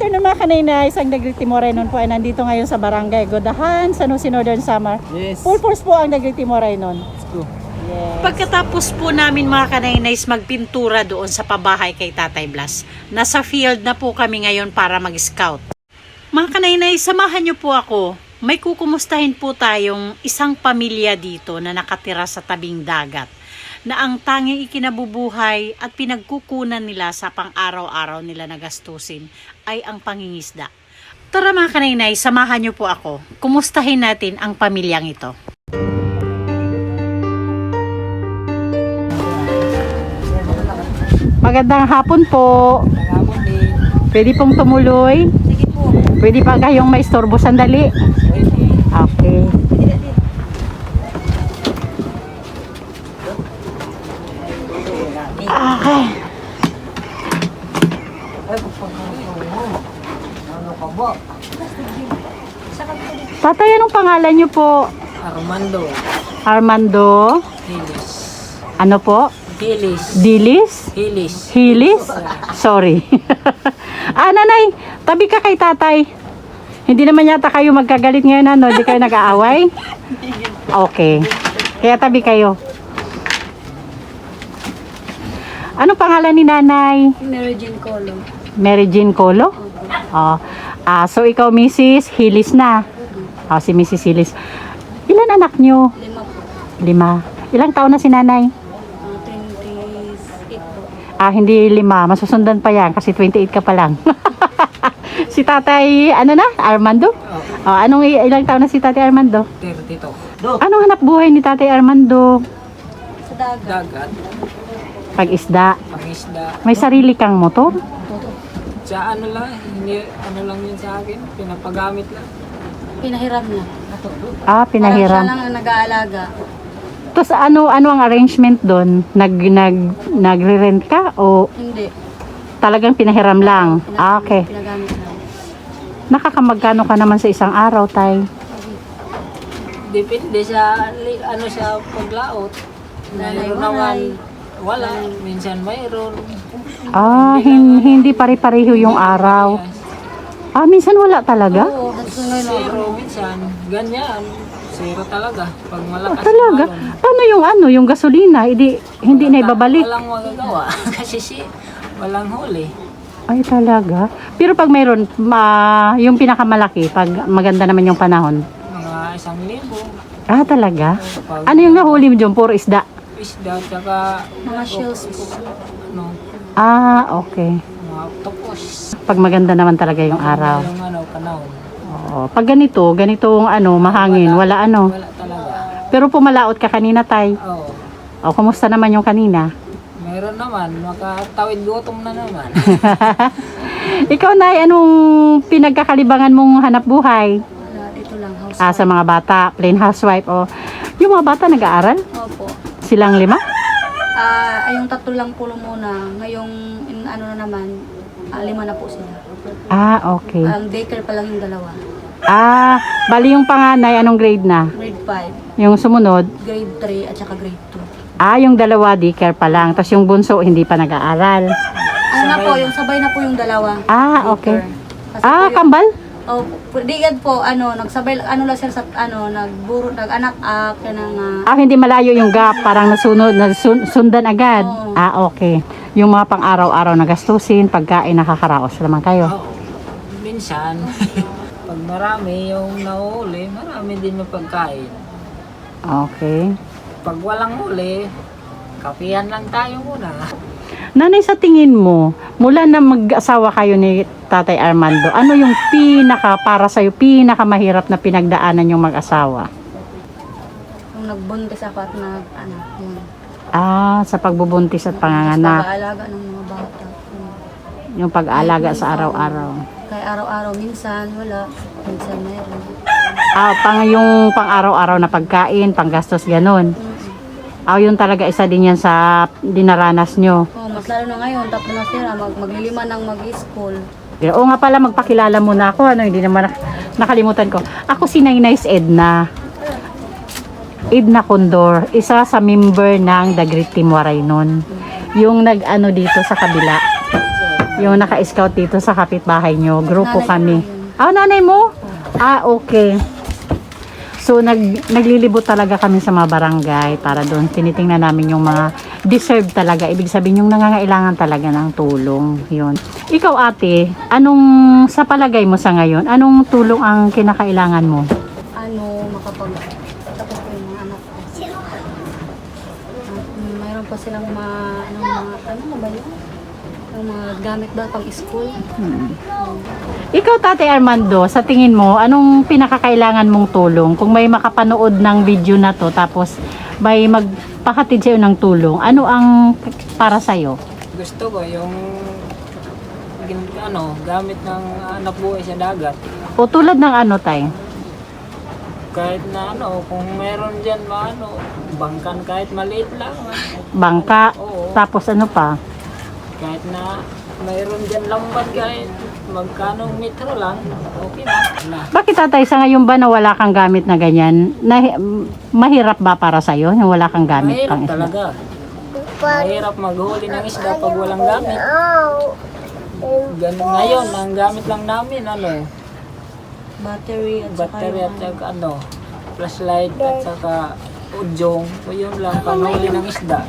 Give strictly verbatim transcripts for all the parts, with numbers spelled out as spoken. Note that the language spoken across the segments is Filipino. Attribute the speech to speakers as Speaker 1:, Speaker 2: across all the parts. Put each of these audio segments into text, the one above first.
Speaker 1: afternoon mga kanina, isang Dagriti Moray nun po ay nandito ngayon sa Barangay Godahan, San Jose Northern Samar.
Speaker 2: Yes.
Speaker 1: Full force po ang Dagriti Moray nun.
Speaker 2: Let's go.
Speaker 1: Yes.
Speaker 3: Pagkatapos po namin mga kanaynays magpintura doon sa pabahay kay Tatay Blas, nasa field na po kami ngayon para mag-scout. Mga kanaynays, samahan niyo po ako. May kukumustahin po tayong isang pamilya dito na nakatira sa tabing dagat, na ang tanging ikinabubuhay at pinagkukunan nila sa pang-araw-araw nila na gastusin ay ang pangingisda. Tara mga kanainay, samahan niyo po ako. Kumustahin natin ang pamilyang ito.
Speaker 1: Magandang hapon po.
Speaker 2: Hapon din.
Speaker 1: Pwede pong tumuloy.
Speaker 3: Sige po.
Speaker 1: Pwede pa kayong maistorbo sandali.
Speaker 2: Pwede.
Speaker 1: Okay. Okay.
Speaker 2: Ano ka ba?
Speaker 1: Tatay, anong pangalan niyo po?
Speaker 2: Armando.
Speaker 1: Armando?
Speaker 2: Hilis.
Speaker 1: Ano po?
Speaker 2: Hilis.
Speaker 1: Dilis?
Speaker 2: Hilis.
Speaker 1: Hilis? Sorry. Ah, nanay, tabi ka kay tatay. Hindi naman yata kayo magkagalit ngayon, ano? Hindi kayo nag-aaway? Okay. Kaya tabi kayo. Anong pangalan ni nanay?
Speaker 4: Mary Jane Colo.
Speaker 1: Mary Jean Colo? Oh. Ah, so ikaw Missus Hilis na. Oh, si Missus Hilis. Ilan anak nyo?
Speaker 4: Lima po.
Speaker 1: Lima. Ilang taon na si nanay?
Speaker 4: Uh, twenty-eight po.
Speaker 1: Ah, hindi lima. Masusundan pa yan kasi twenty-eight ka pa lang. Si tatay, ano na? Armando? Oh, anong i- ilang taon na si tatay Armando?
Speaker 2: thirty-two.
Speaker 1: Anong hanap buhay ni tatay Armando?
Speaker 4: Sa dagat.
Speaker 2: Dagat.
Speaker 1: Pag-isda.
Speaker 2: Pangisda.
Speaker 1: May sarili kang motor?
Speaker 2: Sa ano lang, hindi, ano lang yun sa akin. Pinapagamit lang.
Speaker 4: Pinahiram na.
Speaker 1: Ah,
Speaker 4: Parang siya
Speaker 1: pinahiram.
Speaker 4: lang ang nag-aalaga.
Speaker 1: Tapos ano, ano ang arrangement doon? Nag, nag, nagre-rent ka o
Speaker 4: Hindi.
Speaker 1: talagang pinahiram lang?
Speaker 4: Pinag-
Speaker 1: Ah, okay.
Speaker 4: Pinagamit lang.
Speaker 1: Nakakamagkano ka naman sa isang araw, tay?
Speaker 2: Depende sa, li- ano sa paglaot. Mayroon naman, wala. Minsan mayroon.
Speaker 1: Ah, hin- hindi pare-pareho yung araw. Ah, minsan wala talaga?
Speaker 4: Oo, hanggang ngayon.
Speaker 2: Zero minsan. Ganyan. Zero talaga. Pag
Speaker 1: Ah,
Speaker 2: malakas
Speaker 1: talaga?
Speaker 2: ang alon.
Speaker 1: Paano yung ano, yung gasolina? Hindi, hindi na ibabalik.
Speaker 2: Walang magagawa. Kasi si, walang huli.
Speaker 1: Ay, talaga? Pero pag mayroon, ma, yung pinakamalaki, pag maganda naman yung panahon.
Speaker 2: Mga isang libo.
Speaker 1: Ah, talaga?
Speaker 2: Pag
Speaker 1: Ano yung nahuli mo dyan? Puro isda?
Speaker 2: isda, tsaka
Speaker 4: Mga shells po.
Speaker 2: ano,
Speaker 1: Ah, okay.
Speaker 2: mga octopus.
Speaker 1: Pag maganda naman talaga yung araw.
Speaker 2: Yung ano, panahon.
Speaker 1: Oo. Pag ganito, ganitong ano, mahangin, wala ano.
Speaker 2: Wala talaga.
Speaker 1: Pero pumalaot ka kanina, tay.
Speaker 2: Oo.
Speaker 1: O, kumusta naman yung kanina?
Speaker 2: Meron naman, makatawid gutom na naman.
Speaker 1: Ikaw, nay, anong pinagkakalibangan mong hanap buhay?
Speaker 4: Wala, dito lang. House.
Speaker 1: Ah, sa mga bata, plain housewife, o yung mga bata nag-aaral?
Speaker 4: Opo.
Speaker 1: Silang lima?
Speaker 4: Ah, ay yung tatlo lang po muna. Ngayong, in, ano na naman, ah, lima na po sila.
Speaker 1: Ah, okay.
Speaker 4: Ang daycare pa lang yung dalawa.
Speaker 1: Ah, bali yung panganay, anong grade na?
Speaker 4: Grade five,
Speaker 1: Yung sumunod?
Speaker 4: grade three, at saka grade two.
Speaker 1: Ah, yung dalawa, daycare pa lang. Tapos yung bunso, hindi pa nag-aaral.
Speaker 4: Ano na po, yung sabay na po yung dalawa.
Speaker 1: Ah, okay.
Speaker 4: Daycare. Kasi
Speaker 1: Ah,
Speaker 4: po yung-
Speaker 1: kambal?
Speaker 4: Oh, digad po, ano, nagsabay, ano lang sir sa, ano, nagburo, nag-anak, ah, kaya nang, ah,
Speaker 1: Ah, hindi malayo yung gap. Parang nasunod, nasundan agad.
Speaker 4: Oo.
Speaker 1: Ah, okay. Yung mga pang-araw-araw na gastusin, pagkain, nakakaraos naman kayo.
Speaker 2: Oo. Minsan, pag marami yung nahuli, marami din yung pagkain.
Speaker 1: Okay.
Speaker 2: Pag walang huli, kapihan lang tayo muna.
Speaker 1: Nanay, sa tingin mo, mula na mag-asawa kayo ni Tatay Armando, ano yung pinaka, para sa'yo, pinaka mahirap na pinagdaanan yung mag-asawa?
Speaker 4: yung nagbuntis ako at nag, ano, yun.
Speaker 1: Ah, sa pagbubuntis at
Speaker 4: Tapos
Speaker 1: panganganak,
Speaker 4: pag-aalaga ng mga bata. Yun.
Speaker 1: yung pag-aalaga sa araw-araw.
Speaker 4: Kaya araw-araw, minsan wala, minsan mayroon.
Speaker 1: Ah, pang yung pang-araw-araw na pagkain, panggastos, ganun.
Speaker 4: Mm.
Speaker 1: Ah, yun talaga isa din yan sa dinaranas nyo.
Speaker 4: Oh, mas lalo na ngayon, tapos na sila, mag, maglilima ng mag-school.
Speaker 1: Oo nga pala, magpakilala muna ako. Ano, hindi naman nak- nakalimutan ko. Ako si Nainay's Edna. Edna Condor. Isa sa member ng The Great Team Waray nun. Yung nag-ano dito sa kabila. Yung naka-scout dito sa kapitbahay nyo. Grupo
Speaker 4: Nanay
Speaker 1: kami.
Speaker 4: ko
Speaker 1: Ah, nanay mo? Ah, okay. So, nag, naglilibot talaga kami sa mga barangay para doon tinitingnan namin yung mga deserve talaga. Ibig sabihin yung nangangailangan talaga ng tulong. Yun. Ikaw ate, anong sa palagay mo sa ngayon, anong tulong ang kinakailangan mo?
Speaker 4: Ano, makapag tapos po yung mga anak ko. At, mm, mayroon pa silang mga, ano, mga, ano na ba yun? Yung mga gamit ba pang school?
Speaker 1: Hmm. Ikaw, Tate Armando, sa tingin mo, anong pinakakailangan mong tulong? Kung may makapanood ng video na to, tapos may magpahatid sa'yo ng tulong, ano ang para sa'yo?
Speaker 2: Gusto ko yung gin- ano, gamit ng anak buhay sa dagat.
Speaker 1: O tulad ng ano, tay?
Speaker 2: Kahit na ano, kung meron dyan maano, bangkan kahit maliit lang.
Speaker 1: Bangka,
Speaker 2: Oo.
Speaker 1: tapos ano pa?
Speaker 2: Kahit na mayroon dyan lambat kahit magkano metro lang, okay na. Wala.
Speaker 1: Bakit tatay, sa ngayon ba na wala kang gamit na ganyan? Na, mahirap ba para sa'yo yung wala kang gamit
Speaker 2: Mahirap
Speaker 1: pang isda?
Speaker 2: talaga. Mahirap maghuli ng isda pag walang gamit. Ganun ngayon, ang gamit lang namin, ano,
Speaker 4: Battery at saka
Speaker 2: battery at
Speaker 4: yung,
Speaker 2: saka ano, flashlight at saka udyong. So yun lang, panghuli ng isda.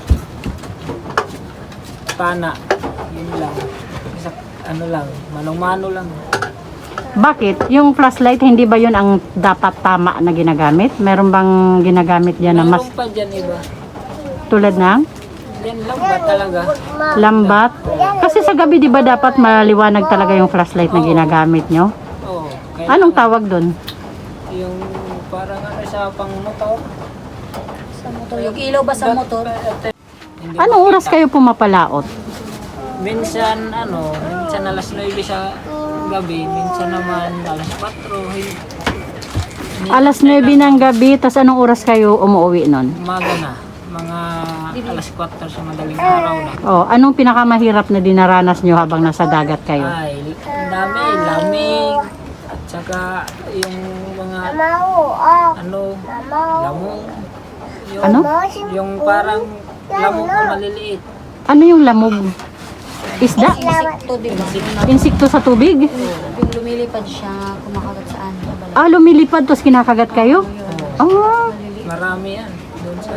Speaker 2: Pana, yun lang. Isa, ano lang, manong-mano lang.
Speaker 1: Bakit? Yung flashlight, hindi ba yun ang dapat tama na ginagamit? Meron bang ginagamit dyan na mas
Speaker 2: Mayroon pa dyan iba.
Speaker 1: tulad ng
Speaker 2: Then lambat talaga.
Speaker 1: lambat? Kasi sa gabi, di ba dapat maliwanag talaga yung flashlight na ginagamit nyo?
Speaker 2: Oo.
Speaker 1: Anong tawag dun?
Speaker 2: Yung parang ano sa pang motor.
Speaker 4: sa motor. Yung ilaw ba sa motor?
Speaker 2: Hindi
Speaker 1: Anong oras
Speaker 2: makita.
Speaker 1: kayo pumapalaot?
Speaker 2: Minsan ano, minsan alas nuebe sa gabi, minsan naman alas kwatro. Hin-
Speaker 1: Alas nuebe ng gabi, tas anong oras kayo umuwi nun?
Speaker 2: Umaga na, mga alas kwatro sa madaling araw na.
Speaker 1: Oh, anong pinakamahirap na dinaranas nyo habang nasa dagat kayo?
Speaker 2: Ay, ang dami, lamig, at saka yung mga ano, lamong. Yung,
Speaker 1: Ano?
Speaker 2: Yung parang lamong na maliliit.
Speaker 1: Ano yung lamog? Isda?
Speaker 4: Insekto, di ba?
Speaker 1: Insekto sa tubig?
Speaker 4: Yung lumilipad siya, kumakagat saan. Sa balat.
Speaker 1: Ah, lumilipad, tapos kinakagat kayo? Oh,
Speaker 2: Marami yan. Doon sa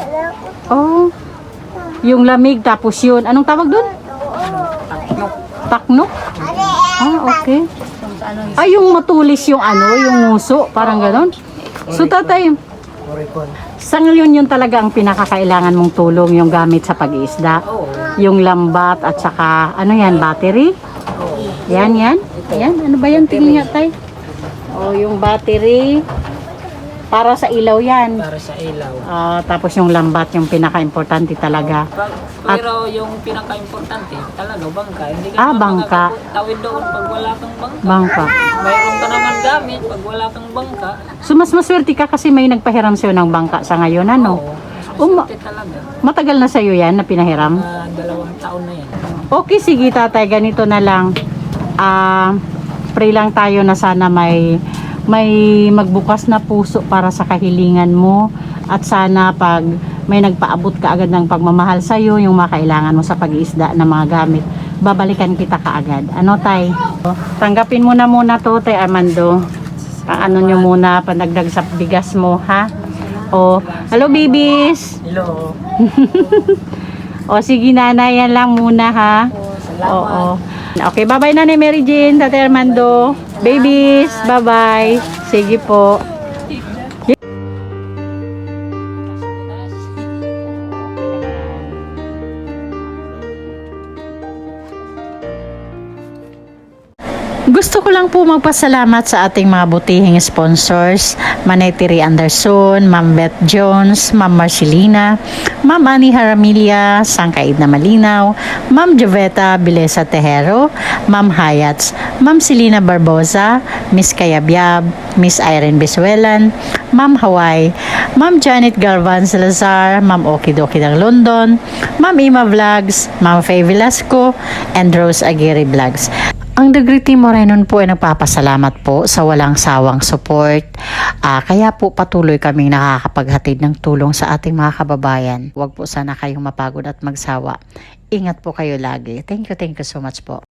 Speaker 1: oh. Yung lamig, tapos yun. Anong tawag dun?
Speaker 2: taknok.
Speaker 1: Taknok? Ah, okay.
Speaker 4: Kung sa ano,
Speaker 1: Ay, yung matulis yung ano, yung nguso, parang ganon. So, tatay, sa ngayon yun talaga ang pinakakailangan mong tulong, yung gamit sa pag-iisda.
Speaker 2: Oo.
Speaker 1: Yung lambat at saka, ano yan, battery? Yan, yan. Yan, ano ba yan? Tingin nga, tay. Oh, yung battery. Para sa ilaw yan.
Speaker 2: Para sa ilaw.
Speaker 1: Ah, tapos yung lambat, yung pinaka-importante talaga.
Speaker 2: Pag, pero yung pinaka-importante, talaga bangka. Hindi ka
Speaker 1: Ah,
Speaker 2: naman
Speaker 1: bangka.
Speaker 2: makakatawid doon pag wala kang bangka.
Speaker 1: Bangka.
Speaker 2: Mayroon ka naman gamit pag wala kang bangka.
Speaker 1: So, mas maswerte ka kasi may nagpahiram sa'yo ng bangka sa ngayon, ano?
Speaker 2: Oo.
Speaker 1: Uma-
Speaker 2: Maswerte talaga.
Speaker 1: Matagal na sa'yo yan na pinahiram?
Speaker 2: Ah, dalawang taon na yan.
Speaker 1: Okay, sige tatay, ganito na lang. Ah, pray lang tayo na sana may may magbukas na puso para sa kahilingan mo at sana pag may nagpaabot ka agad ng pagmamahal sa iyo, yung makailangan mo sa pag-iisda ng mga gamit, babalikan kita kaagad. Ano tay? Tanggapin mo na muna to, tay Armando. Paano nyo muna pandagdag sa bigas mo, ha? O, hello babies!
Speaker 2: Hello.
Speaker 1: O sige nanay, yan lang muna ha. Oo. Okay, bye-bye Nanay Mary Jane, Tate Armando. Babies, bye-bye. Sige po. Gusto ko lang po magpasalamat sa ating mga butihing sponsors, Manay Tiri Anderson, Ma'am Beth Jones, Ma'am Marcelina, Ma'am Ani Haramilia, Sangkaid na Malinaw, Ma'am Joveta Bilesa Tejero, Ma'am Hayats, Ma'am Selena Barbosa, Miss Kayabyab, Miss Irene Bisuelan, Ma'am Hawaii, Ma'am Janet Galvan Salazar, Ma'am Okidoki ng London, Ma'am Ima Vlogs, Ma'am Faye Velasco, and Rose Aguirre Vlogs. Ang Degree Morenon po ay nagpapasalamat po sa walang sawang support. Ah, kaya po patuloy kaming nakakapaghatid ng tulong sa ating mga kababayan. Huwag po sana kayong mapagod at magsawa. Ingat po kayo lagi. Thank you, thank you so much po.